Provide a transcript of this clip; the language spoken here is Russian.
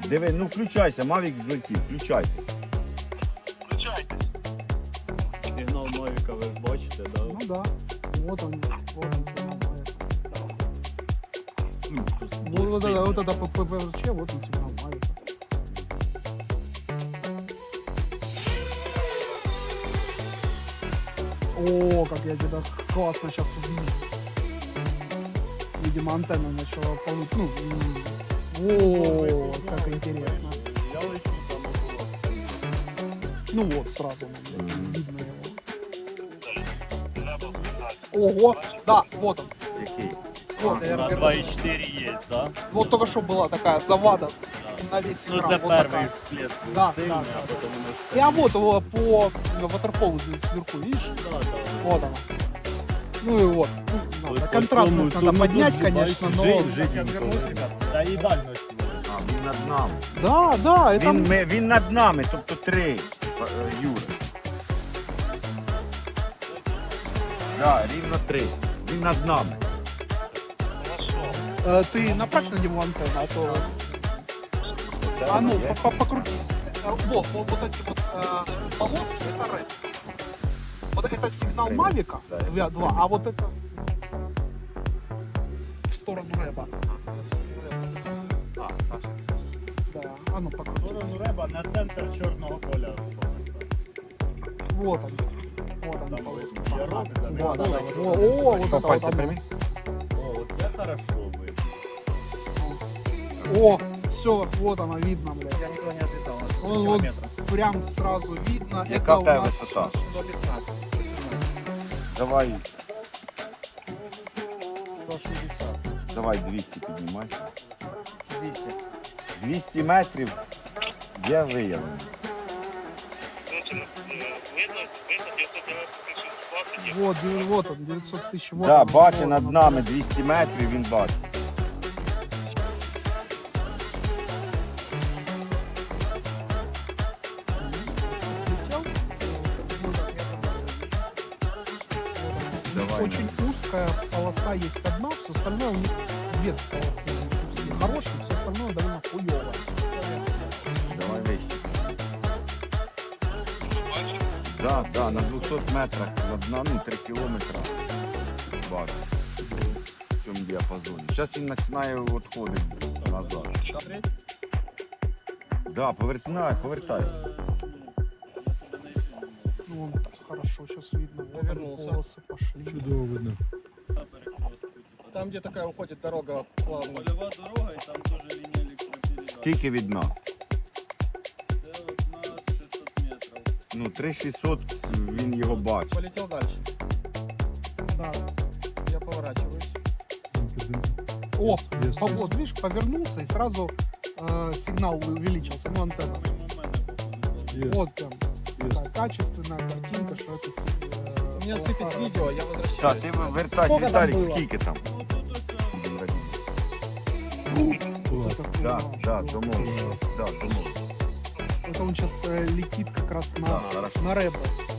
Диви, ну включайся, Мавік злетів, включайся. Сигнал Мавіка ви ж бачите, да? Ну да. Вот он сигнал Мавика. Ну, просто Вот блистить. это ППВЧ, вот он сигнал Мавика. О, как я тебя классно сейчас увидел. Видимо, антенна начала полнуть. Ну, о, как интересно. Я лечу там около стіни. Ну вот, сразу видно его. Ого, да, вот он. Який? Вот, На 2,4 є, да? вот только что была такая завада на весь Ну экран. це вот перший такая. всплеск був Да, сильний, да, а да. потім воно ж Я вот его по ватерфолу здесь сверху, видишь? Да, да. Вот оно. Ну и вот. Ну, надо. Контрастность надо поднять, конечно, но... Та і дальність. А, він над нами. Да, да, это... Він над нами, тобто 3, Юра. Да, рівно 3. Він над нами. Ты направь на него антенну, а то... Це А ну, воно є? покрутись. Вот эти вот полоски, это red. Вот это сигнал Red. Мавика Да, это 2, а вот это в сторону рэба. А, Саша. Да, а ну покрутись. Сторону реба на центр чорного поля. Вот он. Вот он. Там полоски. ярок, Да, да, да. вот. О, вот это вот оно. О, оце хорошо видно. О, все, вот оно видно, блядь. Я ніколи не відлітав. Вот прям сразу видно. Яка Это в тебе у нас висота? 115, 117, Давай, 160, давай 200 піднімай. 200. 200 метрів є виявлено. вот он, 900 тысяч. Вот Да, он, бачить вот над он. нами 200 метрів, він бачить. Летел. Давай. Очень узкая полоса есть одна, все остальное у них две полосы узкие. Хорошие, все остальное довольно хуёвое. Давай вище. Да, да, на 200 метрах, ну 3 кілометри бачу. В цьому діапазоні. Зараз він починає відходити назад. Да, повертайся. Ну, вон, хорошо, сейчас видно. Вот они, Повернулся. полосы пошли. Чудово видно. Там, где такая уходит дорога плавно. Полевая дорога, и там тоже линия электропередач. Скільки від нас? Это вот на 600 метров. Ну, 3600 він його бачить. Полетел дальше. Да. Я поворачиваюсь. О, Есть, вот, видишь, повернулся и сразу сигнал увеличился. Ну, антенна. Есть. Вот прям такая качественная картинка, что это... У меня полоса светит ра- видео, я возвращаюсь. Так, ти вертайся, Скільки там Віталік, було? скільки там? Вот это Да, хуйня, да, что- домовились. Да, домовились. Это он сейчас летит как раз Да, на хорошо. рэбе.